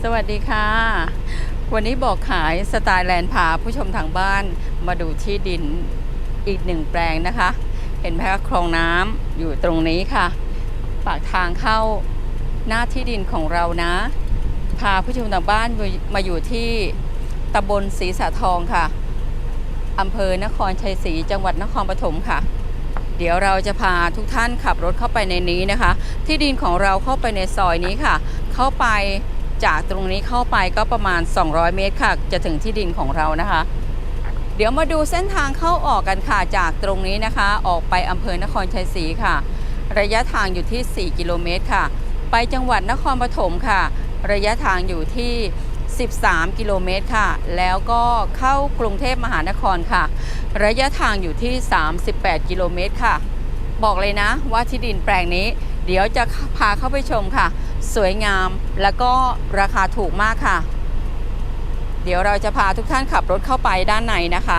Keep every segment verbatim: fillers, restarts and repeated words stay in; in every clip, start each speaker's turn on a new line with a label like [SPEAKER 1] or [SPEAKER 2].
[SPEAKER 1] สวัสดีค่ะวันนี้บอกขายสไตล์แลนด์พาผู้ชมทางบ้านมาดูที่ดินอีกหนึ่งแปลงนะคะเห็นไหมคะคลองน้ำอยู่ตรงนี้ค่ะปากทางเข้าหน้าที่ดินของเรานะพาผู้ชมทางบ้านมาอยู่ที่ตำบลศรีสะทองค่ะอำเภอนครชัยศรีจังหวัดนครปฐมค่ะเดี๋ยวเราจะพาทุกท่านขับรถเข้าไปในนี้นะคะที่ดินของเราเข้าไปในซอยนี้ค่ะเข้าไปจากตรงนี้เข้าไปก็ประมาณสองร้อยเมตรค่ะจะถึงที่ดินของเรานะคะเดี๋ยวมาดูเส้นทางเข้าออกกันค่ะจากตรงนี้นะคะออกไปอำเภอนครชัยศรีค่ะระยะทางอยู่ที่สี่กิโลเมตรค่ะไปจังหวัดนครปฐมค่ะระยะทางอยู่ที่สิบสามกิโลเมตรค่ะแล้วก็เข้ากรุงเทพมหานครค่ะระยะทางอยู่ที่สามสิบแปดกิโลเมตรค่ะบอกเลยนะว่าที่ดินแปลงนี้เดี๋ยวจะพาเข้าไปชมค่ะสวยงามแล้วก็ราคาถูกมากค่ะเดี๋ยวเราจะพาทุกท่านขับรถเข้าไปด้านในนะคะ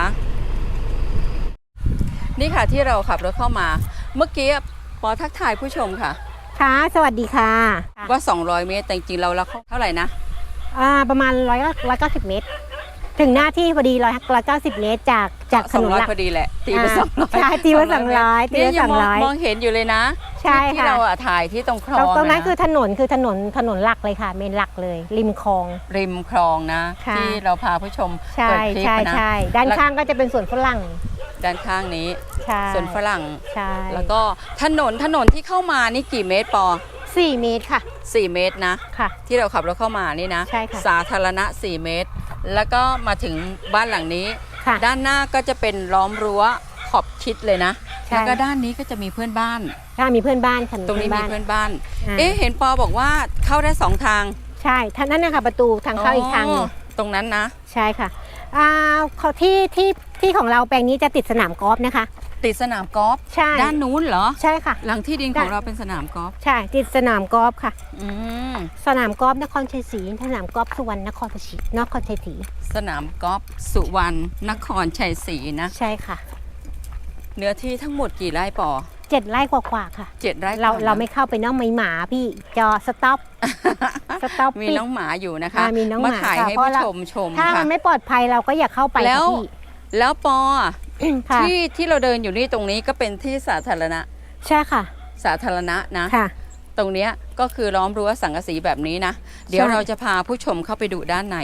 [SPEAKER 1] นี่ค่ะที่เราขับรถเข้ามาเมื่อกี้ปอทักทายผู้ชมค่ะ
[SPEAKER 2] ค่ะสวัสดีค่ะ
[SPEAKER 1] ว่าสองร้อยเมตรแต่จริงๆเราละเท่าไหร่นะ
[SPEAKER 2] อ่าประมาณร้อยร้อยเก้าสิบเมตรถึงหน้าที่พอดีร้อยร้อยเก้าสิบเมตรจากจากถนนหลัก
[SPEAKER 1] พอดีแหละตีไปสองร้อย
[SPEAKER 2] ใช่ตีไปสองร้อยตีไปสองร้อย
[SPEAKER 1] มองเห็นอยู่เลยนะ
[SPEAKER 2] ใช่ค่ะ
[SPEAKER 1] ที่เราถ่ายที่ตรงคลอง
[SPEAKER 2] ตรงนั้นคือถนนคือถนนถนนหลักเลยค่ะเมนหลักเลยริมคลอง
[SPEAKER 1] ริมคลองนะที่เราพาผู้ชม
[SPEAKER 2] ใช่ใช่ใช่ด้านข้างก็จะเป็นสวนฝรั่ง
[SPEAKER 1] ด้านข้างนี้สวนฝรั่ง
[SPEAKER 2] ใช่
[SPEAKER 1] แล้วก็ถนนถนนที่เข้ามานี่กี่เมตรปอ
[SPEAKER 2] สี่เมตรค่ะ
[SPEAKER 1] สี่เมตรนะ
[SPEAKER 2] ค่ะ
[SPEAKER 1] ที่เราขับรถเข้ามานี่นะ
[SPEAKER 2] ใช่ค่ะ
[SPEAKER 1] สาธารณะสี่เมตรแล้วก็มาถึงบ้านหลังนี้ด้านหน้าก็จะเป็นล้อมรั้วขอบชิดเลยนะแล้วก็ด้านนี้ก็จะมีเพื่อนบ้าน
[SPEAKER 2] ค่ะมีเพื่อนบ้านค่ะ
[SPEAKER 1] ตรงนี้มีเพื่อนบ้านเอ๊ะเห็นปอบอกว่าเข้าได้สองทาง
[SPEAKER 2] ใช่ท่านนั่นนะคะประตูทางเข้าอีกทาง
[SPEAKER 1] ตรงนั้นนะ
[SPEAKER 2] ใช่ค่ะอ่าเขาที่ที่ที่ของเราแปลงนี้จะติดสนามกอล์ฟนะคะ
[SPEAKER 1] ติดสนามกอล์ฟ
[SPEAKER 2] ใช่
[SPEAKER 1] ด้านนู้นเหรอ
[SPEAKER 2] ใช่ค่ะ
[SPEAKER 1] หลังที่ดินของเราเป็นสนามกอล์ฟ
[SPEAKER 2] ใช่ติดสนามกอล์ฟค่ะ
[SPEAKER 1] อืม
[SPEAKER 2] สนามกอล์ฟนครชัยศรีสนามกอล์ฟสุวรรณนครชัยศรีนครชัยศรี
[SPEAKER 1] สนามกอล์ฟสุวรรณนครชัยศรีนะ
[SPEAKER 2] ใช่ค่ะ
[SPEAKER 1] เนื้อที่ทั้งหมดกี่ไร่ปอ
[SPEAKER 2] เจ็ดไร่กว่าๆค่ะ
[SPEAKER 1] เจ็ดไร่
[SPEAKER 2] เราเราไม่เข้าไปน้องหมาพี่จอสต็อปสต็อป
[SPEAKER 1] มีน้องหมาอยู่นะคะ
[SPEAKER 2] มีน้องหมา
[SPEAKER 1] ถ่ายให้ผู้ชมชม
[SPEAKER 2] ถ้ามันไม่ปลอดภัยเราก็อย่าเข้าไป
[SPEAKER 1] แล้วแล้วปอที่ที่เราเดินอยู่นี่ตรงนี้ก็เป็นที่สาธารณะ
[SPEAKER 2] ใช่ค่ะ
[SPEAKER 1] สาธารณะนะ
[SPEAKER 2] ค่ะ
[SPEAKER 1] ตรงนี้ก็คือล้อมรั้วสังกะสีแบบนี้นะเดี๋ยวเราจะพาผู้ชมเข้าไปดูด้านใน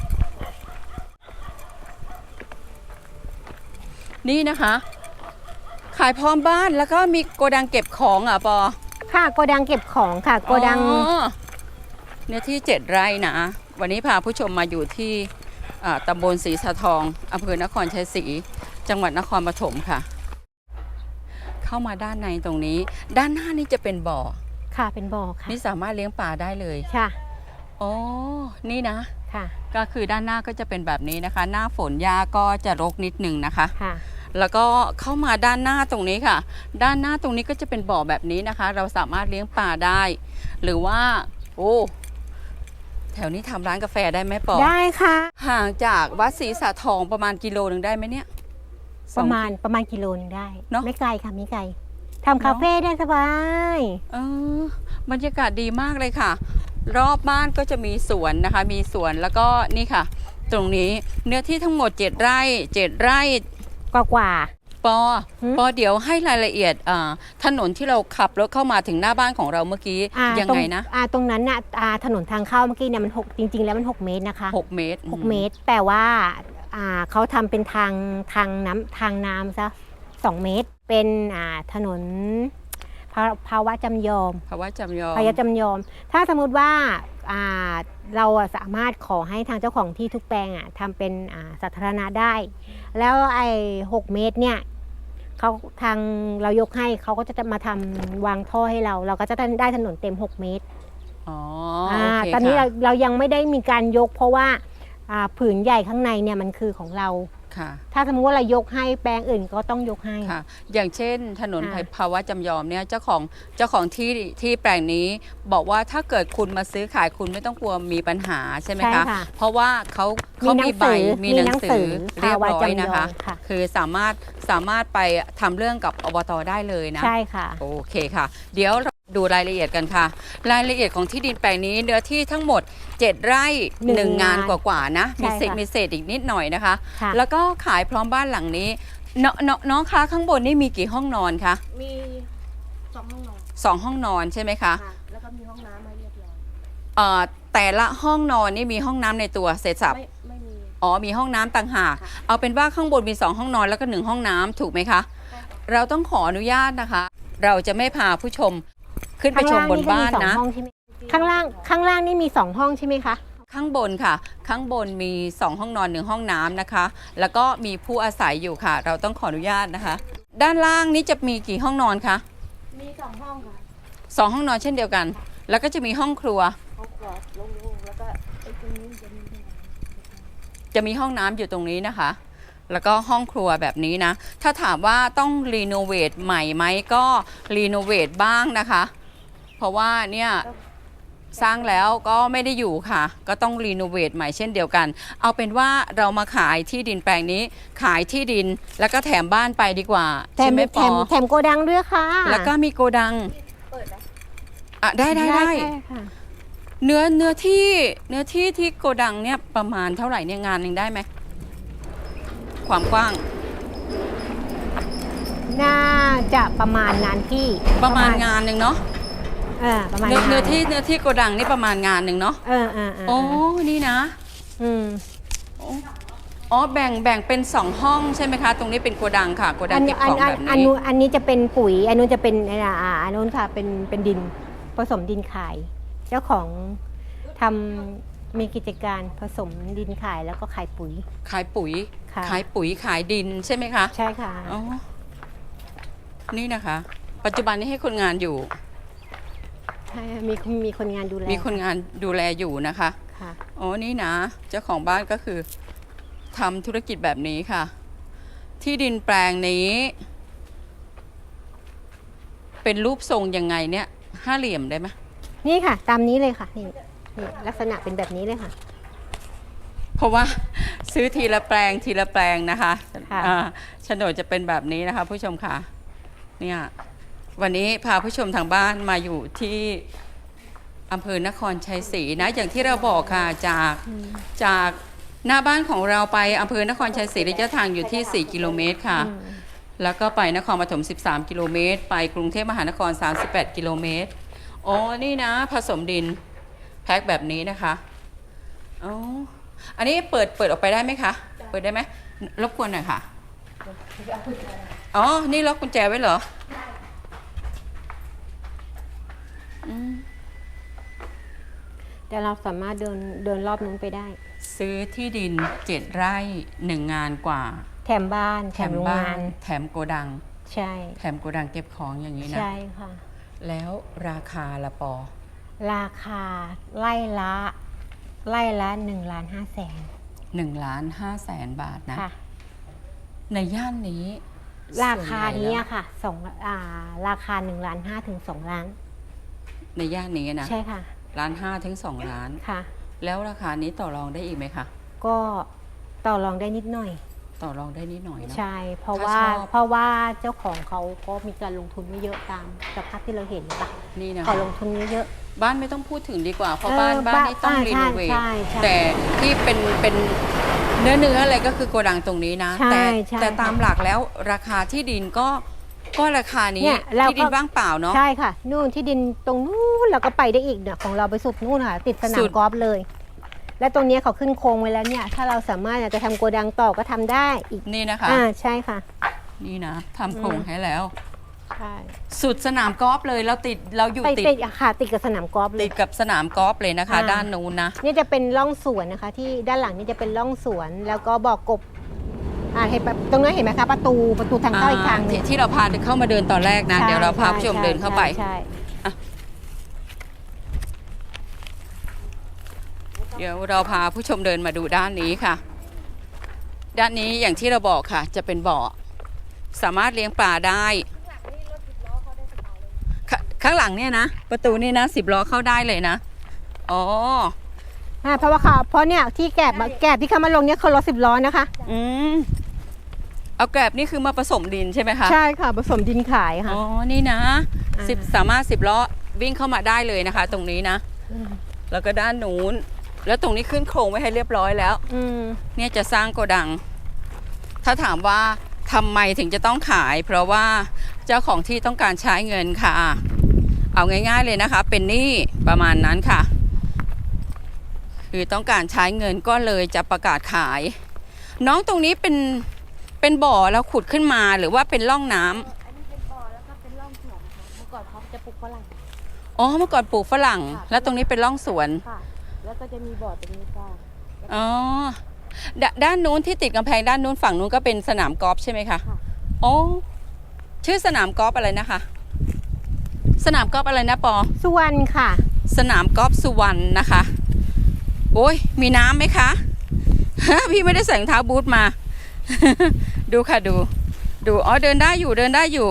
[SPEAKER 1] นี่นะคะขายพร้อมบ้านแล้วก็มีโกดังเก็บของอ่ะปอ
[SPEAKER 2] ค่ะโกดังเก็บของค่ะโกดัง
[SPEAKER 1] เนื้อที่เจ็ดไร่นะวันนี้พาผู้ชมมาอยู่ที่ตำบลศรีสะทองอำเภอนครชัยศรีจังหวัดนครปฐมค่ะเข้ามาด้านในตรงนี้ด้านหน้านี่จะเป็นบ่อ
[SPEAKER 2] ค่ะเป็นบ่อค่ะ
[SPEAKER 1] นี่สามารถเลี้ยงปลาได้เลย
[SPEAKER 2] ค่ะ
[SPEAKER 1] อ๋อนี่นะ
[SPEAKER 2] ค่ะ
[SPEAKER 1] ก็คือด้านหน้าก็จะเป็นแบบนี้นะคะหน้าฝนหญ้าก็จะรกนิดนึงนะคะ
[SPEAKER 2] ค่ะ
[SPEAKER 1] แล้วก็เข้ามาด้านหน้าตรงนี้ค่ะด้านหน้าตรงนี้ก็จะเป็นบ่อแบบนี้นะคะเราสามารถเลี้ยงปลาได้หรือว่าโอ้แถวนี้ทำร้านกาแฟได้ไหมปอ
[SPEAKER 2] ได้ค่ะ
[SPEAKER 1] ห่างจากวัดศรีสะทองประมาณกิโลหนึ่งได้ไหมเนี่ย
[SPEAKER 2] ประมาณประมาณกิโลนึงได้เนาะไม่ไกลค่ะไม่ไกลทำคาเฟ่ได้สบาย
[SPEAKER 1] เออบรรยากาศดีมากเลยค่ะรอบบ้านก็จะมีสวนนะคะมีสวนแล้วก็นี่ค่ะตรงนี้เนื้อที่ทั้งหมดเจ็ดไร่เจ็ดไร่
[SPEAKER 2] กว่ากว่า
[SPEAKER 1] ปอปอเดี๋ยวให้รายละเอียดถนนที่เราขับรถเข้ามาถึงหน้าบ้านของเราเมื่อกี้ยังไงนะ
[SPEAKER 2] ตรงนั้นน่ะถนนทางเข้าเมื่อกี้เนี่ยมันหกจริงๆแล้วมันหกเมตรนะคะ
[SPEAKER 1] หกเมตร
[SPEAKER 2] หกเมตรแต่ว่าเขาทำเป็นทางทางน้ำทางน้ำซะสองเมตรเป็นถนนภาวะจำยอม
[SPEAKER 1] ภาวะจำยอม
[SPEAKER 2] ภาวะจำยอมถ้าสมมติว่าเราสามารถขอให้ทางเจ้าของที่ทุกแปลงทำเป็นสาธารณะได้แล้วไอ้หกเมตรเนี่ยเขาทางเรายกให้เขาก็จะมาทำวางท่อให้เราเราก็จะได้ถนนเต็มหกเมตร
[SPEAKER 1] อ๋อ
[SPEAKER 2] ตอนนี้เราเรายังไม่ได้มีการยกเพราะว่าผืนใหญ่ข้างในเนี่ยมันคือของเราถ้าสมมติว่าเรายกให้แปลงอื่นก็ต้องยกให้
[SPEAKER 1] ค่ะอย่างเช่นถนนภาวะจำยอมเนี่ยเจ้าของเจ้าของที่ที่แปลงนี้บอกว่าถ้าเกิดคุณมาซื้อขายคุณไม่ต้องกลัวมีปัญหาใช่ไหมคะเพราะว่าเขาเขามีใบมีหนังสือเรียบร้อยนะคะคือสามารถสามารถไปทำเรื่องกับอบต.ได้เลยนะ
[SPEAKER 2] ใช่ค่ะ
[SPEAKER 1] โอเคค่ะเดี๋ยวดูรายละเอียดกันค่ะ รายละเอียดของที่ดินแปลงนี้เนื้อที่ทั้งหมดเจ็ดไร่
[SPEAKER 2] หนึ่ง
[SPEAKER 1] หนึ่งงาน
[SPEAKER 2] งาน
[SPEAKER 1] กว่าๆนะมีเศษ
[SPEAKER 2] ใช่ค่ะ
[SPEAKER 1] มีเศษอีกนิดหน่อยนะคะ
[SPEAKER 2] ค่ะ
[SPEAKER 1] แล้วก็ขายพร้อมบ้านหลังนี้นนน้องคะข้างบนนี่มีกี่ห้องนอนคะ
[SPEAKER 3] มีสองห้องนอน
[SPEAKER 1] สองห้องนอนใช่ไหมคะ
[SPEAKER 3] ค่ะ แล้วก็มีห้องน้ำมาเรียบร้อย
[SPEAKER 1] เอ่อแต่ละห้องนอนนี่มีห้องน้ำในตัวเสร็จสับ
[SPEAKER 3] ไม่ไม่มี
[SPEAKER 1] อ๋อมีห้องน้ำต่างหาก
[SPEAKER 3] ค่ะ
[SPEAKER 1] เอาเป็นว่าข้างบนมีสองห้องนอนแล้วก็หนึ่งห้องน้ำถูกไหมคะ
[SPEAKER 3] ใช่ค่ะ
[SPEAKER 1] เราต้องขออนุญาตนะคะ เราจะไม่พาผู้ชมขึ้นไปชมบนบ้าน
[SPEAKER 2] ข้างล่าง
[SPEAKER 1] นะ
[SPEAKER 2] ก็มีสองห้องใช่ไหมข้างล่างข้างล่างนี่มีสองห้องใช่ไหมคะ
[SPEAKER 1] ข้างบนค่ะ ข้างบนมีสองห้องนอนหนึ่งห้องน้ำนะคะ แล้วก็มีผู้อาศัยอยู่ค่ะ เราต้องขออนุญาตนะคะ ด้านล่างนี้จะมีกี่ห้องนอนคะ
[SPEAKER 3] มีสองห้องค่ะ
[SPEAKER 1] สองห้องนอนเช่นเดียวกัน แล้วก็จะมีห้องครัว
[SPEAKER 3] ห้องครัวโล่งๆแล้วก็ไอ้ตรงนี้จะมีห้องน้ำ
[SPEAKER 1] จะมีห้องน้ำอยู่ตรงนี้นะคะ แล้วก็ห้องครัวแบบนี้นะ ถ้าถามว่าต้องรีโนเวทใหม่ไหมก็รีโนเวทบ้างนะคะ เพราะว่าเนี่ยสร้างแล้วก็ไม่ได้อยู่ค่ะ ก็ต้องรีโนเวทใหม่เช่นเดียวกัน เอาเป็นว่าเรามาขายที่ดินแปลงนี้ ขายที่ดินแล้วก็แถมบ้านไปดีกว่า
[SPEAKER 2] แถ
[SPEAKER 1] ใช่
[SPEAKER 2] ม
[SPEAKER 1] ไหม
[SPEAKER 2] แถ
[SPEAKER 1] ปอ
[SPEAKER 2] มแถมโกดังด้วยค่ะ
[SPEAKER 1] แล้วก็มีโกดัง
[SPEAKER 3] เปิดไหม
[SPEAKER 1] อ่ะได้ได้ได้
[SPEAKER 2] ค่ะ
[SPEAKER 1] เนื้อเนื้อที่เนื้อที่ที่โกดังเนี่ยประมาณเท่าไหร่เนี่ยงานหนึ่งได้ไหมความกว้าง
[SPEAKER 2] น่าจะประมาณงานที่
[SPEAKER 1] ประมาณงานหนึ่งเนาะ
[SPEAKER 2] เออประมาณ
[SPEAKER 1] เนื้อเนื้อที่
[SPEAKER 2] งาน
[SPEAKER 1] เนื้อที่โกดังนี่ประมาณงานหนึ่งเนาะ
[SPEAKER 2] เออเออเออ
[SPEAKER 1] โอ้นี่นะ
[SPEAKER 2] อืม
[SPEAKER 1] อ๋อแบ่งแบ่งเป็นสองห้องใช่ไหมคะ ตรงนี้เป็นโกดังค่ะโกดั
[SPEAKER 2] อั
[SPEAKER 1] ง
[SPEAKER 2] น
[SPEAKER 1] เก็บ
[SPEAKER 2] อั
[SPEAKER 1] ข
[SPEAKER 2] น
[SPEAKER 1] อง
[SPEAKER 2] อัน
[SPEAKER 1] แบบ
[SPEAKER 2] อัน
[SPEAKER 1] นี้
[SPEAKER 2] นู้นอันนี้จะเป็นปุ๋ย อันนู้นจะเป็นอ่าอ่าอันนู้นค่ะเป็นเป็นดินผสมดินขาย เจ้าของทำมีกิจการผสมดินขายแล้วก็ขายปุ๋ย
[SPEAKER 1] ขายปุ๋ย
[SPEAKER 2] ค่ะ
[SPEAKER 1] ขายปุ๋ยขายดินใช่ไหมคะ
[SPEAKER 2] ใช่ค่ะ
[SPEAKER 1] อ๋อนี่นะคะ ปัจจุบันนี้ให้คนงานอยู่
[SPEAKER 2] ใช่มีมีคนงานดูแล
[SPEAKER 1] มีคนงานดูแลอยู่นะคะ
[SPEAKER 2] ค่ะ
[SPEAKER 1] อ๋อ นี่นะ เจ้าของบ้านก็คือทำธุรกิจแบบนี้ค่ะ ที่ดินแปลงนี้ เป็นรูปทรงยังไงเนี่ย ห้าเหลี่ยมได้ไหม
[SPEAKER 2] นี่ค่ะ ตามนี้เลยค่ะนี่นี่ลักษณะเป็นแบบนี้เลยค่ะ
[SPEAKER 1] เพราะว่า ซื้อทีละแปลงทีละแปลงนะคะ
[SPEAKER 2] ค่ะ
[SPEAKER 1] อ่าโฉนดจะเป็นแบบนี้นะคะ ผู้ชมค่ะ เนี่ยวันนี้พาผู้ชมทางบ้านมาอยู่ที่อำเภอนครชัยศรีนะ อย่างที่เราบอกค่ะจากจากหน้าบ้านของเราไปอำเภอนครชัยศรีระยะทางอยู่ที่สี่กิโลเมตรค่ะ
[SPEAKER 2] อืม
[SPEAKER 1] แล้วก็ไปนครปฐมสิบสามกิโลเมตรไปกรุงเทพมหานครสามสิบแปดกิโลเมตรอ๋อนี่นะผสมดินแพ็คแบบนี้นะคะอ๋ออันนี้เปิดเปิดออกไปได้ไหมคะเปิดได้ไหมรบกวนหน่อยค่ะอ๋อนี่ล็อกกุญแจไว้เหรออืม
[SPEAKER 2] แต่เราสามารถเดินเดินรอบนู้นไปได้
[SPEAKER 1] ซื้อที่ดินเจ็ดไร่หนึ่งงานกว่า
[SPEAKER 2] แถมบ้านแถมโรง
[SPEAKER 1] บ้าง
[SPEAKER 2] าน น
[SPEAKER 1] แถมโกดัง
[SPEAKER 2] ใช่
[SPEAKER 1] แถมโกดังเก็บของอย่างนี้นะ
[SPEAKER 2] ใช่ค่ะ
[SPEAKER 1] แล้วราคาละปอ
[SPEAKER 2] ราคาไล่ละไล่ละหนึ่งล้านห้าแสน
[SPEAKER 1] หนึ่งล้านห้าแสนบาทนะ
[SPEAKER 2] ค่ะ
[SPEAKER 1] ในย่านนี้
[SPEAKER 2] ราคา
[SPEAKER 1] ส่วนใหญ่
[SPEAKER 2] นี้
[SPEAKER 1] แล้ว
[SPEAKER 2] ค่ะสองอ่าราคาหนึ่งล้านห้าถึงสองล้าน
[SPEAKER 1] ในย่านนี้นะ
[SPEAKER 2] ใช่ค่ะ
[SPEAKER 1] ล้านห้าถึงสองล้าน
[SPEAKER 2] ค่ะ
[SPEAKER 1] แล้วราคานี้ต่อรองได้อีกไหมคะ
[SPEAKER 2] ก็ต่อรองได้นิดหน่อย
[SPEAKER 1] ต่อรองได้นิดหน่อยเนาะ
[SPEAKER 2] ใช่ เพราะ
[SPEAKER 1] ถ้า
[SPEAKER 2] ว่า
[SPEAKER 1] ชอบ
[SPEAKER 2] เพราะว่าเจ้าของเขาก็มีการลงทุนไม่เยอะตามสภาพที่เราเห็นปะ
[SPEAKER 1] นี่นะ
[SPEAKER 2] เขา
[SPEAKER 1] คะ
[SPEAKER 2] ลงทุนไม่เยอะ
[SPEAKER 1] บ้านไม่ต้องพูดถึงดีกว่า เพราะ
[SPEAKER 2] เออ
[SPEAKER 1] บ้านบ้านนี่ต้อง
[SPEAKER 2] บ้าน
[SPEAKER 1] รี
[SPEAKER 2] ใช่
[SPEAKER 1] โนเวท
[SPEAKER 2] ใช่ใช่
[SPEAKER 1] แต่ที่เป็นเป็นเนื้อเนื้ออะไรก็คือโกดังตรงนี้นะ
[SPEAKER 2] ใช่
[SPEAKER 1] แต่
[SPEAKER 2] ใช่
[SPEAKER 1] แต่ตามหลักแล้วราคาที่ดินก็ก็ราคานี้
[SPEAKER 2] เนี่ยเราก็
[SPEAKER 1] ที่ดินว่างเปล่าเนาะ
[SPEAKER 2] ใช่ค่ะ นู่นที่ดินตรงนู้นเราก็ไปได้อีกเนี่ยของเราไปสุดนู่นค่ะ ติดสนา
[SPEAKER 1] สุ
[SPEAKER 2] ม
[SPEAKER 1] ด
[SPEAKER 2] กอล์ฟเลย และตรงเนี้ยเขาขึ้นโครงไว้แล้วเนี่ย ถ้าเราสามารถจะทำโกดังต่อก็ทำได้อีก
[SPEAKER 1] นี่นะคะ
[SPEAKER 2] อ่าใช่ค่ะ
[SPEAKER 1] นี่นะทำโครงให้แล้ว
[SPEAKER 2] ใช่
[SPEAKER 1] สุดสนามกอล์ฟเลยเราติดเราอยู่
[SPEAKER 2] ไป
[SPEAKER 1] ติด
[SPEAKER 2] ติดค่ะติดกับสนามกอล์ฟเล
[SPEAKER 1] ติ
[SPEAKER 2] ย
[SPEAKER 1] ดกับสนามกอล์ฟเลยนะคะ
[SPEAKER 2] อ่า
[SPEAKER 1] ด้านนู้นนะ
[SPEAKER 2] นี่จะเป็นร่องสวนนะคะ ที่ด้านหลังนี่จะเป็นร่องสวนแล้วก็บ่อกบอ่าเห็นแบบตรงนั้นเห็นไหมคะประตูประตูทางเข้าอีกทางหนึ
[SPEAKER 1] ที่
[SPEAKER 2] ง
[SPEAKER 1] ที่เราพาเข้ามาเดินตอนแรกนะ
[SPEAKER 2] ใช่
[SPEAKER 1] เดี๋ยวเราพาผู้ชม
[SPEAKER 2] ใ
[SPEAKER 1] เดินเข้าไป
[SPEAKER 2] ใช่
[SPEAKER 1] เดี๋ยวเราพาผู้ชมเดินมาดูด้านนี้ค่ะ ด้านนี้อย่างที่เราบอกค่ะ จะเป็นบ่อสามารถเลี้ยงปลาได้ขข้างหลังเนี่ยนะ ประตูนี่นะสิบล้อเข้าได้เลยนะอ๋อ
[SPEAKER 2] อ่าเพราะว่าเขาเพราะเนี่ยที่แกบมาแกบที่เขามาลงเนี่ยเขารถสิบล้อนะคะ
[SPEAKER 1] อืมเอาแกลบนี่คือมาผสมดินใช่ไหมคะ
[SPEAKER 2] ใช่ค่ะผสมดินขายค่ะ
[SPEAKER 1] อ๋อนี่นะ
[SPEAKER 2] อ่า
[SPEAKER 1] สิบสามารถสิบล้อวิ่งเข้ามาได้เลยนะคะ ตรงนี้นะ แล้วก็ด้านนู้น แล้วตรงนี้ขึ้นโครงไว้ให้เรียบร้อยแล้ว
[SPEAKER 2] อืม
[SPEAKER 1] เนี่ยจะสร้างโกดัง ถ้าถามว่าทำไมถึงจะต้องขาย เพราะว่าเจ้าของที่ต้องการใช้เงินค่ะ เอาง่ายๆเลยนะคะ เป็นหนี้ประมาณนั้นค่ะ คือต้องการใช้เงินก็เลยจะประกาศขาย น้องตรงนี้เป็นเป็นบ่อแล้วขุดขึ้นมาหรือว่าเป็นร่องน้ำ
[SPEAKER 3] อันนี้เป็นบ่อแล้วก็เป็นร่องสวนค่ะเมื่อก่อนเขาจะปลูกฝรั่ง
[SPEAKER 1] อ๋อเมื่อก่อนปลูกฝรั่ง
[SPEAKER 3] ค่ะ
[SPEAKER 1] แล้วตรงนี้เป็นร่องสวน
[SPEAKER 3] ค่ะ แล้วก็จะมีบ่อตรงนี้ค่ะ
[SPEAKER 1] อ๋อดด้านนู้นที่ติดกำแพงด้านนู้นฝั่งนู้นก็เป็นสนามกอล์ฟใช่ไหมคะ
[SPEAKER 3] ค่ะ
[SPEAKER 1] อ๋อชื่อสนามกอล์ฟอะไรนะคะ สนามกอล์ฟอะไรนะปอ
[SPEAKER 2] สุวรรณค่ะ
[SPEAKER 1] สนามกอล์ฟสุวรรณนะคะ โอ้ยมีน้ำไหมคะ พี่ไม่ได้ใส่รองเท้าบูทมา ดูค่ะดู ดูอ๋อเดินได้อยู่เดินได้อยู่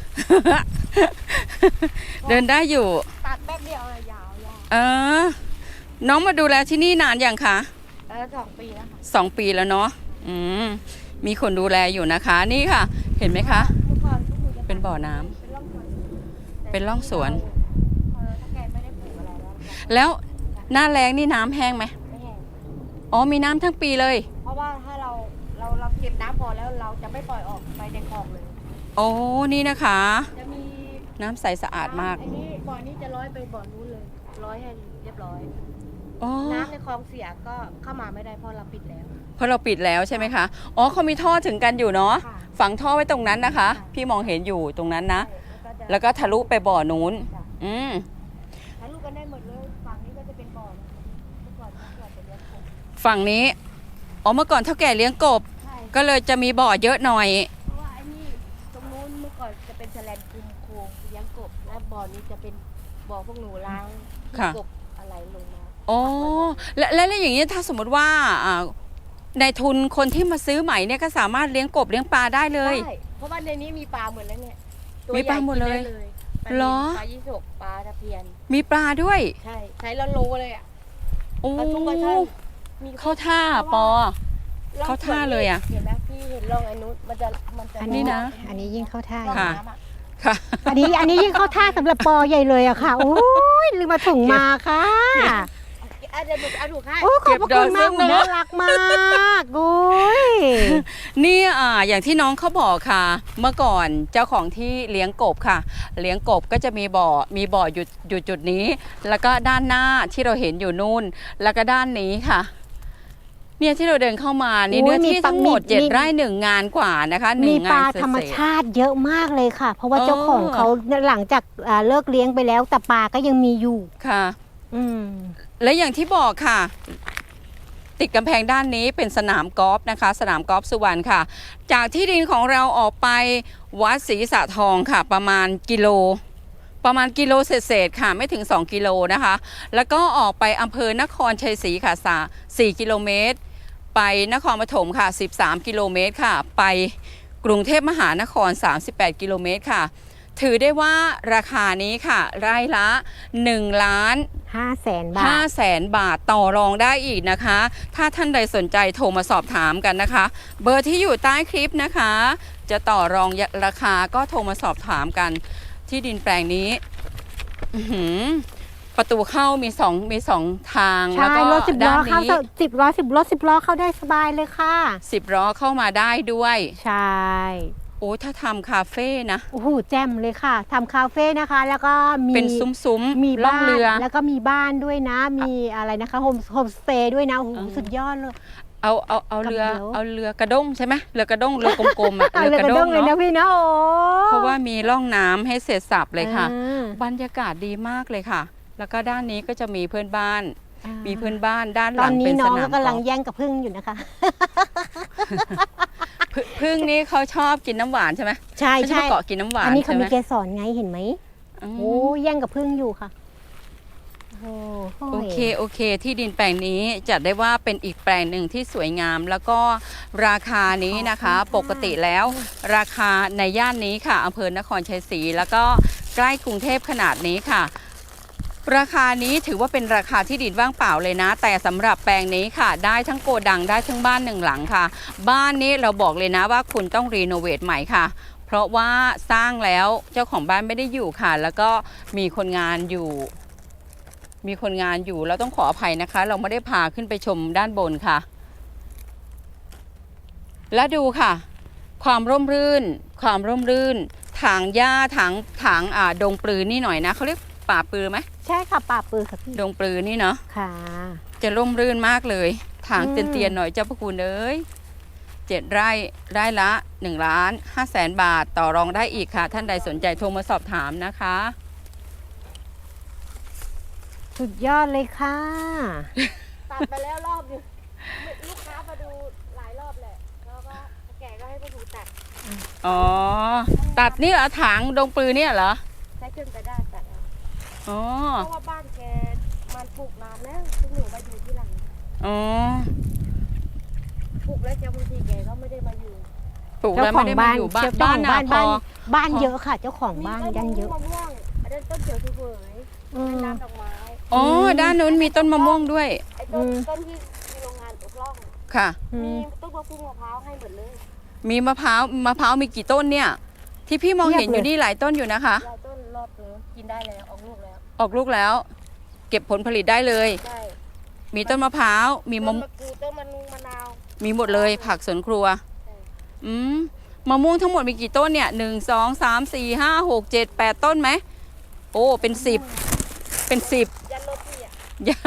[SPEAKER 1] เดินได้อยู่
[SPEAKER 3] ตัดแป๊บเดียวเลยยาวยาว
[SPEAKER 1] เออ น้องมาดูแลที่นี่นานยังคะ
[SPEAKER 3] เออสองปีแล้วค่ะ
[SPEAKER 1] สองปีแล้วเนาะอืมมีคนดูแลอยู่นะคะ นี่ค่ะ เห็นไหมคะ
[SPEAKER 3] เมื่อก่อนพวกหนูจะ
[SPEAKER 1] เป็นบ่อน้ำ
[SPEAKER 3] เป็นร่องสวน
[SPEAKER 1] เป็นร่องสวน
[SPEAKER 3] เออถ้าแกไม่ได้ปลูกอะไรแล้ว
[SPEAKER 1] แล้วหน้าแล้งนี่น้ำแห้งไหม
[SPEAKER 3] ไม่แห้ง
[SPEAKER 1] อ๋อมีน้ำทั้งปีเลย
[SPEAKER 3] เพราะว่าถ้าเราเราเราเก็บน้ำพอแล้วเราจะไม่ปล่อยออกไปในคลองเลย
[SPEAKER 1] โอ้นี่นะคะ
[SPEAKER 3] จะมี
[SPEAKER 1] น้ำใสสะอาดมาก
[SPEAKER 3] อันนี้บ่อนี้จะร้อยไปบ่อนู้นเลย ร้อยให้เรียบร้อย
[SPEAKER 1] อ๋อ
[SPEAKER 3] น้ำในคลองเสียก็เข้ามาไม่ได้เพราะเราปิดแล้ว
[SPEAKER 1] เพราะเราปิดแล้วใช่ไหมคะ อ๋อเขามีท่อถึงกันอยู่เนาะ
[SPEAKER 3] ค่ะ
[SPEAKER 1] ฝังท่อไว้ตรงนั้นนะคะ
[SPEAKER 3] ค่ะ
[SPEAKER 1] พี่มองเห็นอยู่ตรงนั้นนะ
[SPEAKER 3] ใช่
[SPEAKER 1] แล้วก็ทะลุไปบ่อนู้น
[SPEAKER 3] จ้ะ
[SPEAKER 1] อืม
[SPEAKER 3] ถ่ายรูปกันได้หมดเลย ฝั่งนี้ก็จะเป็นบ่อนะเมื่อก่อนเมื่อก่อนจะเลี้ยงกบ
[SPEAKER 1] ฝั่งนี้ อ๋อเมื่อก่อนเท่าแก่เลี้ยงกบ
[SPEAKER 3] ใช่
[SPEAKER 1] ก็เลยจะมีบ่อเยอะหน่อย
[SPEAKER 3] เพราะว่าไอ้นี่ตรงนู้นเมื่อก่อนจะเป็นแสลนคุมโครงเลี้ยงกบ และบ่อนี้จะเป็นบ่อพวกหนูล้าง
[SPEAKER 1] ค่ะ
[SPEAKER 3] กบอะไรลงมา
[SPEAKER 1] อ๋อและและแล้วอย่างนี้ถ้าสมมติว่าอ่าในทุนคนที่มาซื้อใหม่เนี่ยก็สามารถเลี้ยงกบเลี้ยงปลาได้เลย
[SPEAKER 3] ใช่เพราะว่าในนี้มีปลาหมดแล้วเนี่ยตัว
[SPEAKER 1] มีปลาหมดเลย
[SPEAKER 3] ใญ่กินไปลา
[SPEAKER 1] เหรอ
[SPEAKER 3] ปลายี่สกปลาตะเพียน
[SPEAKER 1] มีปลาด้วย
[SPEAKER 3] ใช่ ใช้ละโลเลยอ่ะ
[SPEAKER 1] โอ้
[SPEAKER 3] ปลาทุกปลาช่อนมี
[SPEAKER 1] เข้าท่าปอ
[SPEAKER 3] ร่อง
[SPEAKER 1] เข้าท่าเลยอะ
[SPEAKER 3] เห็นไหมพี่เห็นร่องไอ้นู้นมันจะมันจะ
[SPEAKER 2] อัน
[SPEAKER 1] นี่
[SPEAKER 2] นี้
[SPEAKER 1] นะ
[SPEAKER 2] อันนี้ยิ่งเข้าท่า
[SPEAKER 3] ร่อง
[SPEAKER 1] ค่ะ
[SPEAKER 3] น้ำอะ
[SPEAKER 1] ค่ะ
[SPEAKER 2] อันนี้อันนี้ยิ่งเข้าท่าสำหรับปอใหญ่เลยอะค่ะ โอ้ยลืมมาถุงมาค่ะ
[SPEAKER 3] อ่ะเดี๋ยวหนูเอาถูกให้
[SPEAKER 2] โอ้ขอบพระคุณมาก
[SPEAKER 1] เก็บดอกซึ่งเนอะ
[SPEAKER 2] น่ารักมากโอ้ย
[SPEAKER 1] นี่อ่าอย่างที่น้องเขาบอกค่ะ เมื่อก่อนเจ้าของที่เลี้ยงกบค่ะ เลี้ยงกบก็จะมีบ่อมีบ่ออยู่อยู่จุดนี้ แล้วก็ด้านหน้าที่เราเห็นอยู่นู่น แล้วก็ด้านนี้ค่ะ เนี่ยที่เราเดินเข้ามานี่
[SPEAKER 2] โอ้ย
[SPEAKER 1] เนื้อที่
[SPEAKER 2] มีปลา
[SPEAKER 1] ทั้งหมด
[SPEAKER 2] มี
[SPEAKER 1] เจ็ด
[SPEAKER 2] มี
[SPEAKER 1] ไร่หนึ่งงานกว่านะคะหนึ่
[SPEAKER 2] มี
[SPEAKER 1] ง
[SPEAKER 2] ป
[SPEAKER 1] งา
[SPEAKER 2] ลาน
[SPEAKER 1] เศษ
[SPEAKER 2] ธรรมชาติเยอะมากเลยค่ะ เพราะว่า
[SPEAKER 1] เออ
[SPEAKER 2] เจ้าของเขาหลังจากอ่าเลิกเลี้ยงไปแล้วแต่ปลาก็ยังมีอยู่
[SPEAKER 1] ค่ะ
[SPEAKER 2] อืม
[SPEAKER 1] และอย่างที่บอกค่ะ ติดกำแพงด้านนี้เป็นสนามกอล์ฟนะคะ สนามกอล์ฟสุวรรณค่ะ จากที่ดินของเราออกไปวัดศรีสะทองค่ะ ประมาณกิโล ประมาณกิโลเศษๆค่ะ ไม่ถึงสองกิโลนะคะ แล้วก็ออกไปอำเภอนครชัยศรีค่ะสาสี่กิโลเมตร ไปนครปฐมค่ะสิบสามกิโลเมตรค่ะ ไปกรุงเทพมหานครสามสิบแปดกิโลเมตรค่ะ ถือได้ว่าราคานี้ค่ะไร่ละหนึ่งล้าน
[SPEAKER 2] ห้าแสนบา
[SPEAKER 1] ห้า
[SPEAKER 2] ท
[SPEAKER 1] แสนบาทต่อรองได้อีกนะคะ ถ้าท่านใดสนใจโทรมาสอบถามกันนะคะ เบอร์ที่อยู่ใต้คลิปนะคะ จะต่อรองราคาก็โทรมาสอบถามกันที่ดินแปลงนี้อื้อหือประตูเข้ามีสองมีสองทาง
[SPEAKER 2] ใช่
[SPEAKER 1] แล้วก็
[SPEAKER 2] รถสิบล้
[SPEAKER 1] ด้า
[SPEAKER 2] อน เข้า
[SPEAKER 1] นี้
[SPEAKER 2] สิบล้อสิบล้อสิบล้อเข้าได้สบายเลยค่ะ
[SPEAKER 1] สิบล้อเข้ามาได้ด้วย
[SPEAKER 2] ใช่
[SPEAKER 1] โอ้ถ้าทำคาเฟ่นะ
[SPEAKER 2] โอ้โหแจ่มเลยค่ะทำคาเฟ่นะคะ แล้วก็มี
[SPEAKER 1] เป็นซุ้มๆ
[SPEAKER 2] มี
[SPEAKER 1] ล่อ
[SPEAKER 2] บ้าง น
[SPEAKER 1] เรือ
[SPEAKER 2] แล้วก็มีบ้านด้วยนะ มีอะไรนะคะโฮมโฮมสเตย์ด้วยนะโอ้โห
[SPEAKER 1] เออ
[SPEAKER 2] สุดยอดเลย
[SPEAKER 1] เอาเอาเอาเรือ
[SPEAKER 2] กับเดี๋ยว
[SPEAKER 1] เอาเรือกระด้งใช่ไหมเรือกระด้งเรือกลมๆอ่ะ
[SPEAKER 2] เอา
[SPEAKER 1] เรือ
[SPEAKER 2] เลย
[SPEAKER 1] ก
[SPEAKER 2] ก
[SPEAKER 1] ระ
[SPEAKER 2] ระ
[SPEAKER 1] ด้
[SPEAKER 2] ด้
[SPEAKER 1] ง
[SPEAKER 2] งเลยนะ
[SPEAKER 1] เนาะ
[SPEAKER 2] พี่นะโอ้
[SPEAKER 1] เพราะว่ามีร่องน้ำให้เสร็จสับเลยค่ะ
[SPEAKER 2] อ่า
[SPEAKER 1] บรรยากาศดีมากเลยค่ะ แล้วก็ด้านนี้ก็จะมีเพื่อนบ้าน
[SPEAKER 2] อ่า
[SPEAKER 1] มีเพื่อนบ้านด้านห
[SPEAKER 2] ตอ
[SPEAKER 1] ลั
[SPEAKER 2] น
[SPEAKER 1] ง
[SPEAKER 2] นี้
[SPEAKER 1] เป็น
[SPEAKER 2] น้
[SPEAKER 1] ส
[SPEAKER 2] อง
[SPEAKER 1] นา
[SPEAKER 2] ก็
[SPEAKER 1] ม
[SPEAKER 2] กำลัง
[SPEAKER 1] กอล์ฟ
[SPEAKER 2] แย่งกับพึ่งอยู่นะคะ
[SPEAKER 1] พึ่งพึ่งนี้เขาชอบกินน้ำหวานใช่ไหม
[SPEAKER 2] ใช่
[SPEAKER 1] เขาจะ
[SPEAKER 2] ใช่
[SPEAKER 1] มาเกาะกินน้ำหวาน
[SPEAKER 2] อันนี้เขา
[SPEAKER 1] ใช่ไห
[SPEAKER 2] มี
[SPEAKER 1] ม
[SPEAKER 2] เกสรไงเห็นไหม
[SPEAKER 1] อืม
[SPEAKER 2] โอ้แย่งกับพึ่งอยู่ค่ะโอ้โห
[SPEAKER 1] โอเคโอเค ที่ดินแปลงนี้จัดได้ว่าเป็นอีกแปลงหนึ่งที่สวยงาม แล้วก็ราคานี้นะคะ ปกติแล้ว ราคาในย่านนี้ค่ะอำเภอนครชัยศรีแล้วก็ใกล้กรุงเทพขนาดนี้ค่ะ ราคานี้ถือว่าเป็นราคาที่ดินว่างเปล่าเลยนะ แต่สำหรับแปลงนี้ค่ะ ได้ทั้งโกดังได้ทั้งบ้านหนึ่งหลังค่ะ บ้านนี้เราบอกเลยนะว่าคุณต้องรีโนเวทใหม่ค่ะเพราะว่าสร้างแล้วเจ้าของบ้านไม่ได้อยู่ค่ะ แล้วก็มีคนงานอยู่ มีคนงานอยู่เราต้องขออภัยนะคะ เราไม่ได้พาขึ้นไปชมด้านบนค่ะ และดูค่ะ ความร่มรื่น ความร่มรื่นถางหญ้าถางถางอ่าดงปลือนี่หน่อยนะเขาเรียกป่าปลือไหม
[SPEAKER 2] ใช่ค่ะป่าปือค่ะพี่
[SPEAKER 1] ดงปลือนี่เนาะ
[SPEAKER 2] ค่ะ
[SPEAKER 1] จะร่มรื่นมากเลยถาง
[SPEAKER 2] อืม
[SPEAKER 1] เตียนๆหน่อยเจ้าพระคุณเอ้ยเจ็ดไร่ไร่ละหนึ่งล้านห้าแสนบาทต่อรองได้อีกค่ะ ท่านใดสนใจโทรมาสอบถามนะคะ
[SPEAKER 2] สุดยอดเลยค่ะ
[SPEAKER 3] ตัดไปแล้วรอบหนึงลูกค้ามาดูหลายรอบแหละแล้วก็แกก็ให้มาดูตัด
[SPEAKER 1] อ๋อ ตัดนี่เหรอถางดงปลือเนี่ยเหรอ
[SPEAKER 3] ใช้เครื่องกระดาษตัดเอา
[SPEAKER 1] อ๋อ
[SPEAKER 3] เพราะว่าบ้านแกมันปลูกนานแล้วซึ่งหนูมาอยู่ที่หลัง
[SPEAKER 1] อ๋อ
[SPEAKER 3] ปลูกแล้วจะบางทีแกก็ไม่ได้มาอยู่
[SPEAKER 1] ปลูก
[SPEAKER 2] เจ้า
[SPEAKER 1] แล้ว
[SPEAKER 2] ขอ
[SPEAKER 1] ไม่
[SPEAKER 2] ง
[SPEAKER 1] ได้มา
[SPEAKER 2] บ้าน
[SPEAKER 1] อยู่บ้าน
[SPEAKER 2] เจ้าข
[SPEAKER 1] บ้า
[SPEAKER 2] อน ง
[SPEAKER 1] นา
[SPEAKER 2] บ้าน
[SPEAKER 1] พอ
[SPEAKER 2] บ้านบ้าน
[SPEAKER 1] พอ
[SPEAKER 2] เยอะค่ะ เจ้าของบ้าน
[SPEAKER 3] มีต้
[SPEAKER 2] ยันเยอะ
[SPEAKER 3] มะม่วงอันนั้นต้นเขียวเสวย
[SPEAKER 2] อืม
[SPEAKER 3] เป็นน้ำดอกไม้
[SPEAKER 1] อ๋อ ด้านนู้นมีต้นมะม่วงด้วย
[SPEAKER 3] ไอ้ต้น
[SPEAKER 2] อืม
[SPEAKER 3] ต้นที่มีโรงงานอกล่อง
[SPEAKER 1] ค่ะ
[SPEAKER 2] อื
[SPEAKER 3] มี
[SPEAKER 2] ม
[SPEAKER 3] ต้นมะพร้าวมะพร้าวให้หมดเลย
[SPEAKER 1] มีมะพร้าวมะพร้าวมีกี่ต้นเนี่ย ที่พี่มองเห็น
[SPEAKER 2] เพี
[SPEAKER 1] อย
[SPEAKER 2] บเลย
[SPEAKER 1] ยู่นี่หลายต้นอยู่นะคะ
[SPEAKER 3] ยายต้นรอบเลยกินได้แล้วออกลูกแล้ว
[SPEAKER 1] ออกลูกแล้ว เก็บผลผลิตได้เลย
[SPEAKER 3] ใช่
[SPEAKER 1] มีต้นมะพร้าวมี
[SPEAKER 3] ต้
[SPEAKER 1] มะ
[SPEAKER 3] นมะกรูดต้นมะนุงมะนาว
[SPEAKER 1] มีหมดเลยผักสวนครัว
[SPEAKER 3] ใช่
[SPEAKER 1] อืมมะม่วงทั้งหมดมีกี่ต้นเนี่ยหนึ่งสองสามสี่ห้าหกเจ็ดแปดต้นไหมโอ้เป็นสิบเป็นสิบ
[SPEAKER 3] ยันรถพี่อ่ะ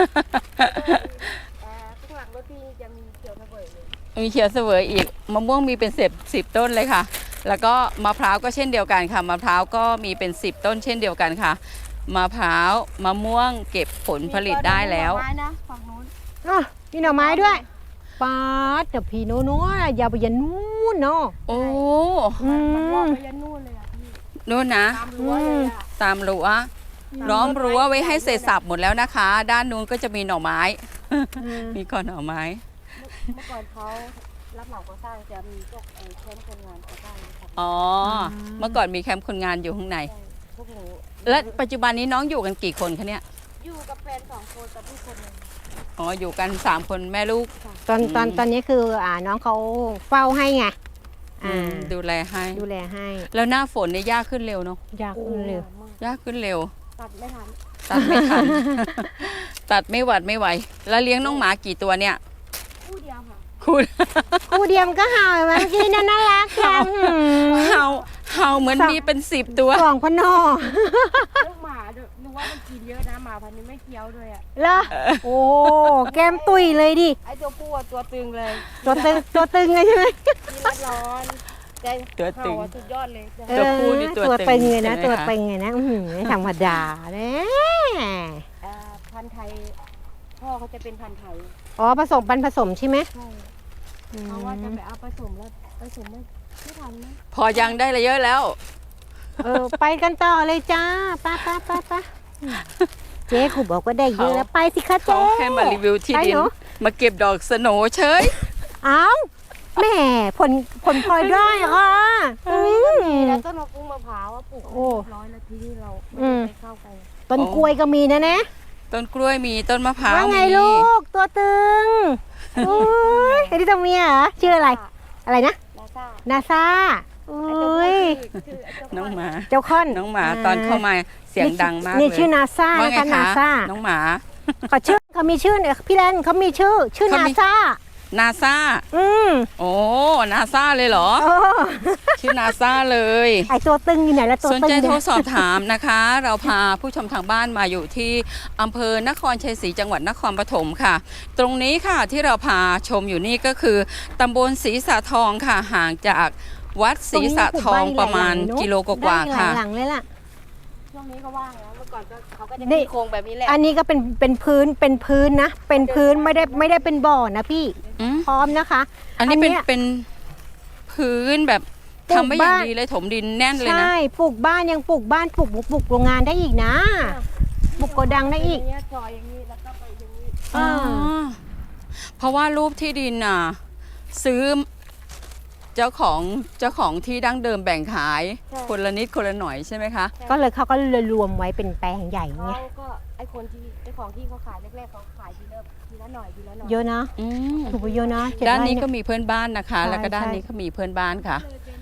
[SPEAKER 3] อ่าข้างหลังรถพี่จะมีเขียวระเบิดเลย
[SPEAKER 1] มีเขียวเสวยอีกมะม่วงมีเป็นสิบสิบต้นเลยค่ะ แล้วก็มะพร้าวก็เช่นเดียวกันค่ะมะพร้าวก็มีเป็นสิบต้นเช่นเดียวกันค่ะมะพร้าวมะม่วงเก็บผลผลิตได้แล้ว
[SPEAKER 3] มีต้นไม้นะฝั่งนู้น
[SPEAKER 2] อ่ะมีหน่อไม้ด้วยป๊าดเดี๋ยวพี่โน้นๆอย่าไปยันนู่นเนาะ
[SPEAKER 1] โอ้
[SPEAKER 2] อื
[SPEAKER 3] มันรอบ
[SPEAKER 2] ม
[SPEAKER 3] ไปยันนู่นเลยอ่ะพี่
[SPEAKER 1] นู่นนะ
[SPEAKER 3] ตามรั้วเลยอ่ะ
[SPEAKER 1] ตามรั้วล้อมรั้วไว้ให้เสร็จสับหมดแล้วนะคะ ด้านนู้นก็จะมีหน่อไม้ มีก่อนหน่อไม้
[SPEAKER 3] เมื่อก่อนเขารับเหมาก่อสร้างจะมีพวกไอ้แคมป์คนงานก่อสร้างนะครับ
[SPEAKER 1] อ๋อ เมื่อก่อนมีแคมป์คนงานอยู่ข้างใน
[SPEAKER 3] ใช่พวกหนู
[SPEAKER 1] และปัจจุบันนี้น้องอยู่กันกี่คนคะเนี่ย
[SPEAKER 3] อยู่กับแฟนสองคนกับพี่คนหนึ่ง
[SPEAKER 1] อ๋อ อยู่กันสามคนแม่ลูก
[SPEAKER 2] ตอนตอน
[SPEAKER 1] อืม
[SPEAKER 2] ตอนนี้คืออ่าน้องเขาเฝ้าให้ไงอ่า
[SPEAKER 1] ดูแลให้
[SPEAKER 2] ดูแลให้
[SPEAKER 1] แล้วหน้าฝนเนี่ยยากขึ้นเร็วเนาะ
[SPEAKER 2] อยากขึ้นเร็ว
[SPEAKER 3] มาก
[SPEAKER 1] ยากขึ้นเร็ว
[SPEAKER 3] ตัดไม่ทัน
[SPEAKER 1] ตัดไม่ทัน ตัดไม่หวัดไม่ไหว แล้วเลี้ยงน้องหมากี่ตัวเนี่ย
[SPEAKER 3] คู่เดียวค่ะ
[SPEAKER 1] คุณ
[SPEAKER 2] ครูเดียมก็เห่าเมื่อกี้น่าน่ารักจัง
[SPEAKER 1] เห่าเห่าเหมือนมีเป็นสิบตัว
[SPEAKER 2] สองพนอ
[SPEAKER 3] ลูกหมาดูดูว่ามันกินเยอะนะหมาพันธุ์นี้ไม่เคี้ยวด้วยอ่ะ
[SPEAKER 2] เหรอโอ้แก้มตุยเลยดิ
[SPEAKER 3] ไอตัวผู้อะตัวตึงเลย
[SPEAKER 2] ตัวตึงตัวตึงเลยใช่ไหม
[SPEAKER 3] กินแล้วร้อนใจ
[SPEAKER 1] ตัวตึง
[SPEAKER 3] เห่าอะสุดยอดเลย
[SPEAKER 1] ตัวผู้นี่ตัว
[SPEAKER 2] ตัว
[SPEAKER 1] ตึ
[SPEAKER 2] ตึ
[SPEAKER 1] ง
[SPEAKER 2] งเลยนะ
[SPEAKER 1] ใช่ไหม
[SPEAKER 2] ตัว
[SPEAKER 1] คะ
[SPEAKER 2] ตึงเลยนะอื้อหือไม่ธรรมดาเนี่ย
[SPEAKER 3] อ่าพันธุ์ไทยพ่อเขาจะเป็นพันธุ์ไทย
[SPEAKER 2] อ๋อผสมปันผสมใช่ไหม
[SPEAKER 3] ใช่
[SPEAKER 2] อืม
[SPEAKER 3] เพราะว่าจะไปเอาผสมแล้วผสมไม่ไม่ทันนะ
[SPEAKER 1] พอยังได้เลยเยอะแล้ว
[SPEAKER 2] เออไปกันต่อเลยจ้าป้าป้าป้าป้าเจ๊ครูบอกว่าได้เยอะแล้วไปสิคะ
[SPEAKER 1] เขา
[SPEAKER 2] เจ๊
[SPEAKER 1] ให้มารีวิวที่
[SPEAKER 2] ไป
[SPEAKER 1] ดิน
[SPEAKER 2] หนู
[SPEAKER 1] มาเก็บดอกสโหนเฉย
[SPEAKER 2] เอ้าแหม่ผลผลพลอยได้ค่ะอืม
[SPEAKER 3] แล้วต้นมะกุ้งมะพร้าวอะปลูก
[SPEAKER 2] โอ้
[SPEAKER 3] เรียบร้อยแล้วที่นี่เรา
[SPEAKER 2] อืม
[SPEAKER 3] ไม่ได้เข้าไป
[SPEAKER 2] ต้นกล้วยก็มีนะนะ
[SPEAKER 1] ต้นกล้วยมีต้นมะพร้าว
[SPEAKER 2] ว่าไง
[SPEAKER 1] มี
[SPEAKER 2] ลูกตัวตึงอุ้ยไอ้ที่ตัวเมียเหรอชื่ออะไร อะไรนะ
[SPEAKER 3] ลาซ่า
[SPEAKER 2] นาซา
[SPEAKER 3] ไอ้
[SPEAKER 2] อุ้
[SPEAKER 3] ตัวผู้
[SPEAKER 2] ย
[SPEAKER 3] ชื่อชื่อไอ้ตัว
[SPEAKER 1] น้องหมา
[SPEAKER 2] เจ้าค่อน
[SPEAKER 1] น้องหมาตอนเข้ามาเสียงดังมากเลย
[SPEAKER 2] นี่ชื่อนาซา
[SPEAKER 1] ว่า
[SPEAKER 2] นะ
[SPEAKER 1] ไง
[SPEAKER 2] คะนา
[SPEAKER 1] คะ
[SPEAKER 2] ซา
[SPEAKER 1] น้องหมา
[SPEAKER 2] เขาชื่อเขามีชื่อเนี่ยพี่แลนเขามีชื่อ ชื่อ
[SPEAKER 1] เขา
[SPEAKER 2] นา
[SPEAKER 1] มี
[SPEAKER 2] ซา
[SPEAKER 1] นาซา
[SPEAKER 2] อืม
[SPEAKER 1] โอ้นาซาเลยเหรอ
[SPEAKER 2] โอ้
[SPEAKER 1] ชื่อนาซาเลย
[SPEAKER 2] ไอตัวตึงอยู่ไหนแล้วตัว
[SPEAKER 1] สน
[SPEAKER 2] ตึง
[SPEAKER 1] ใจ
[SPEAKER 2] เนี่
[SPEAKER 1] โทร
[SPEAKER 2] ย
[SPEAKER 1] สอบถามนะคะ เราพาผู้ชมทางบ้านมาอยู่ที่อำเภอนครชัยศรีจังหวัดนครปฐมค่ะ ตรงนี้ค่ะที่เราพาชมอยู่นี่ก็คือตำบลศรีสะทองค่ะ ห่างจากวัดศรีสะทองประมาณกิโลกว่าๆค่ะ
[SPEAKER 2] ได้หลายหลังเลยล่ะ
[SPEAKER 3] ช่วงนี้ก็ว่างแล้วเมื่อก่อนก็เขาก็จะ
[SPEAKER 2] นี่
[SPEAKER 3] มีโครงแบบนี้แหละ
[SPEAKER 2] อันนี้ก็เป็นเป็นพื้นเป็นพื้นนะ เป็นพื้นไม่ได้ไม่ได้เป็นบ่อนะพี่
[SPEAKER 1] อืม
[SPEAKER 2] พร้อมนะคะ
[SPEAKER 1] อันนี้เป็น
[SPEAKER 2] อันเนี้ย
[SPEAKER 1] เป็นพื้นแบบ
[SPEAKER 2] ปลูก
[SPEAKER 1] ทำไม่อย่าง
[SPEAKER 2] บ้าน
[SPEAKER 1] ดีเลยถมดินแน่นเลยนะ
[SPEAKER 2] ใช่ปลูกบ้านยังปลูกบ้านปลูกปลูกโรงงานได้อีกนะ ปลูกโกดังได้อีก
[SPEAKER 3] ย่างเงี้ยซอยอย่างนี้แล้วก็ไปอย่างนี้
[SPEAKER 2] อ่า
[SPEAKER 1] อ๋อเพราะว่ารูปที่ดินน่ะ ซื้อเจ้าของเจ้าของที่ดั้งเดิมแบ่งขาย คนละนิดคนละหน่อยใช่ไหมคะ
[SPEAKER 2] ก็เลยเขาก็เลยรวมไว้เป็นแปลงใหญ่
[SPEAKER 3] เขา
[SPEAKER 2] ไง
[SPEAKER 3] ก็ไอคนที่ไอของที่เขาขายแรกๆเขาขายทีละทีละหน่อยทีละหน่อย
[SPEAKER 2] เยอะนะ
[SPEAKER 1] อืม
[SPEAKER 2] ถูกไปเยอะนะเจ็
[SPEAKER 1] ด้าน
[SPEAKER 2] ไร่
[SPEAKER 1] นี้
[SPEAKER 2] เย
[SPEAKER 1] ก็มีเพื่อนบ้านนะคะ
[SPEAKER 2] ใช่
[SPEAKER 1] แล้วก็ด้าน
[SPEAKER 2] ใช่
[SPEAKER 1] นี้ก็มีเพื่อนบ้านค่ะ
[SPEAKER 3] เลยเป็นเป็น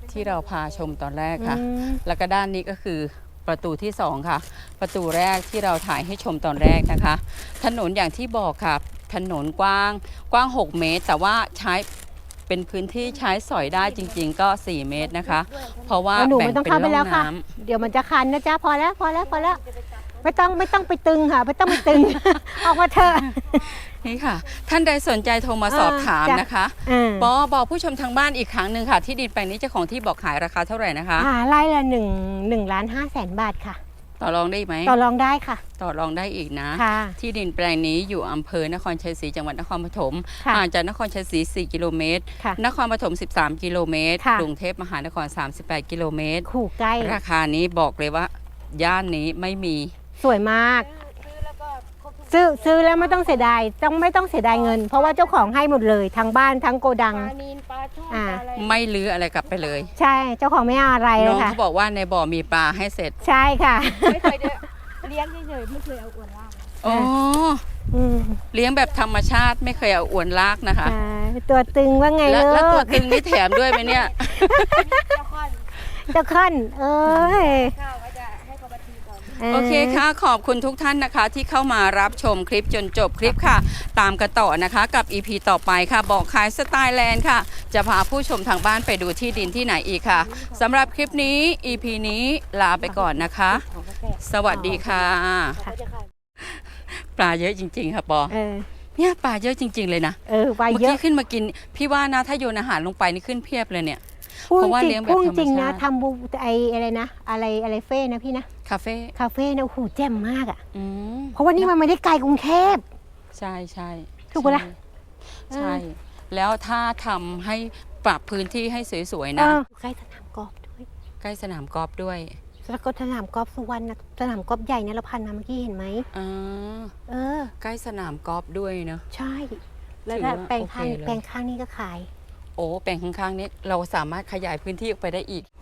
[SPEAKER 1] ที่เราพาชมตอนแรกค่ะ
[SPEAKER 2] อืม
[SPEAKER 1] แล้วก็ด้านนี้ก็คือประตูที่สองค่ะ ประตูแรกที่เราถ่ายให้ชมตอนแรกนะคะ ถนนอย่างที่บอกค่ะ ถนนกว้างกว้างหกเมตร แต่ว่าใช้เป็นพื้นที่ใช้สอยได้จริง ๆ ก็สี่เมตรนะคะ เพราะว่า
[SPEAKER 2] เอาหนู
[SPEAKER 1] แบ่ง
[SPEAKER 2] ไม่ต้อง
[SPEAKER 1] เป็น
[SPEAKER 2] เข้าไป
[SPEAKER 1] ร่
[SPEAKER 2] แล้ว
[SPEAKER 1] อง
[SPEAKER 2] ค่ะ
[SPEAKER 1] น้
[SPEAKER 2] เดี๋ยวมันจะคันนะจ๊ะพอแล้วพอแล้วพอแล้ว ไม่ต้องไม่ต้องไปตึงค่ะไม่ต้องไปตึง ออกมาเถอะ
[SPEAKER 1] ำนี่ค่ะ ท่านใดสนใจโทรมาสอบถาม
[SPEAKER 2] จ้ะ
[SPEAKER 1] นะคะ
[SPEAKER 2] อ่า
[SPEAKER 1] บอบอกผู้ชมทางบ้านอีกครั้งหนึ่งค่ะ ที่ดินแปลงนี้เจ้าของที่บอกขายราคาเท่าไหร่นะคะ
[SPEAKER 2] อ่าไร่ละหนึ่งหนึ่งล้านห้าแสนบาทค่ะ
[SPEAKER 1] ต่อรองได้ไหม
[SPEAKER 2] ต่อรองได้ค่ะ
[SPEAKER 1] ต่อรองได้อีกนะ
[SPEAKER 2] ค่ะ
[SPEAKER 1] ที่ดินแปลงนี้อยู่อำเภอนครชัยศรีจังหวัดนครปฐม
[SPEAKER 2] ค่ะ
[SPEAKER 1] ห่างจากนครชัยศรีสี่กิโลเมตร
[SPEAKER 2] ค่ะ
[SPEAKER 1] นครปฐมสิบสามกิโลเมตร
[SPEAKER 2] ค่ะ
[SPEAKER 1] กรุงเทพมหานครสามสิบแปดกิโลเมตร
[SPEAKER 2] ขู่ใกล้
[SPEAKER 1] ราคานี้บอกเลยว่า ย่านนี้ไม่มี
[SPEAKER 2] สวยมาก
[SPEAKER 3] ซื้อแล้วก็ครบทุก
[SPEAKER 2] ซื้อซื้อแล้วไม่ต้องเสียดายต้องไม่ต้องเสียดายเงิน เพราะว่าเจ้าของให้หมดเลยทั้งบ้านทั้งโกดัง
[SPEAKER 3] ปลานีนปลาช่อน
[SPEAKER 2] อ่า
[SPEAKER 3] ปลาอะไร
[SPEAKER 1] ไม่ลื้ออะไรกลับไปเลย
[SPEAKER 2] ใช่เจ้าของไม่เอาอะไรเล
[SPEAKER 1] น้อย ง
[SPEAKER 2] ค่ะ
[SPEAKER 1] เขาบอกว่าในบ่อมีปลาให้เสร็จ
[SPEAKER 2] ใช่ค่ะ
[SPEAKER 3] ไม่เคยได้เลี้ยงเฉยๆไม่เคยเอาอวนล่าง
[SPEAKER 1] อ๋อ
[SPEAKER 2] อืม
[SPEAKER 1] เลี้ยงแบบธรรมชาติไม่เคยเอาอวนลากนะคะ
[SPEAKER 2] ใช่ตัวตึงว่าไง
[SPEAKER 1] แล้ว
[SPEAKER 2] ลู
[SPEAKER 1] แล้วตัว
[SPEAKER 2] ก
[SPEAKER 1] ตึงนี่แถมด้วยไหมเนี่ย
[SPEAKER 3] เจ้าค่อน
[SPEAKER 2] เจ้าขั้นเอ้ย
[SPEAKER 3] ข้าวก็จะให้เขามาทีก่อน
[SPEAKER 1] โอเคค่ะ ขอบคุณทุกท่านนะคะ ที่เข้ามารับชมคลิปจนจบคลิปค่ะ ตามกันต่อนะคะกับ อี พี ต่อไปค่ะ บอกขายสไตล์แลนด์ค่ะ จะพาผู้ชมทางบ้านไปดูที่ดินที่ไหนอีกค่ะสำหรับคลิปนี้ อี พี นี้ลาไปก่อนนะคะ
[SPEAKER 3] ของกาแฟ
[SPEAKER 1] สวัสดีค่ะ
[SPEAKER 3] เขาก็จะขาย
[SPEAKER 1] ปลาเยอะจริง ๆ ค่ะปอ
[SPEAKER 2] เออ
[SPEAKER 1] เนี่ยปลาเยอะจริง ๆ เลยนะ
[SPEAKER 2] เออไป
[SPEAKER 1] เมื่อ
[SPEAKER 2] เย
[SPEAKER 1] กี้
[SPEAKER 2] อะ
[SPEAKER 1] ขึ้นมากิน พี่ว่านะถ้าโยนอาหารลงไปนี่ขึ้นเพียบเลยเนี่ย
[SPEAKER 2] พูด
[SPEAKER 1] เพราะว่า
[SPEAKER 2] จริ
[SPEAKER 1] เลี้ย
[SPEAKER 2] ง
[SPEAKER 1] งแบบ
[SPEAKER 2] พูด
[SPEAKER 1] ธรรม
[SPEAKER 2] จริงนะ
[SPEAKER 1] ชาติ
[SPEAKER 2] ทำบูไออะไรนะ อะไรอะไรเฟ่นะพี่นะ
[SPEAKER 1] คาเฟ่
[SPEAKER 2] คาเฟ่นะโอ้โหแจ่มมากอ่ะ
[SPEAKER 1] อืม
[SPEAKER 2] เพราะว่านี่มันไม่ได้ไกลกรุงเทพ
[SPEAKER 1] ใช่ใช่
[SPEAKER 2] ถูกปะล่ะ
[SPEAKER 1] ใช่ใช่ แล้วถ้าทำให้ปรับพื้นที่ให้สวยๆ
[SPEAKER 2] เอ
[SPEAKER 1] นะ
[SPEAKER 2] อใกล้สนามกอล์ฟด้วย
[SPEAKER 1] ใกล้สนามกอล์ฟด้วย
[SPEAKER 2] แล้วก็สนามกอล์ฟสุวรรณนะสนามกอล์ฟใหญ่เนี่ยเราพันมาเมื่อกี้เห็นไหม
[SPEAKER 1] อ่า
[SPEAKER 2] เออ
[SPEAKER 1] ใกล้สนามกอล์ฟด้วยเนาะ
[SPEAKER 2] ใช่ แล้ว
[SPEAKER 1] ถือว่า
[SPEAKER 2] แปลงข้าง
[SPEAKER 1] โอเคเลย
[SPEAKER 2] แปลงข้างนี่ก็ขาย
[SPEAKER 1] โอ้แปลงข้างๆนี้เราสามารถขยายพื้นที่ออกไปได้อีก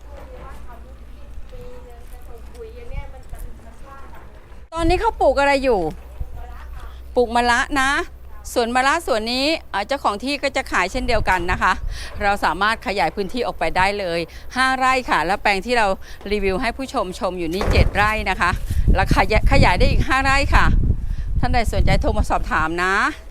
[SPEAKER 1] ตอนนี้เขาปลูกอะไรอยู่ ปลูกมะระนะ สวนมะระสวนนี้เอ่อเจ้าของที่ก็จะขายเช่นเดียวกันนะคะ เราสามารถขยายพื้นที่ออกไปได้เลยห้าไร่ค่ะ แล้วแปลงที่เรารีวิวให้ผู้ชมชมอยู่นี่เจ็ดไร่นะคะแล้วขยายขยายได้อีกห้าไร่ค่ะ ท่านใดสนใจโทรมาสอบถามนะ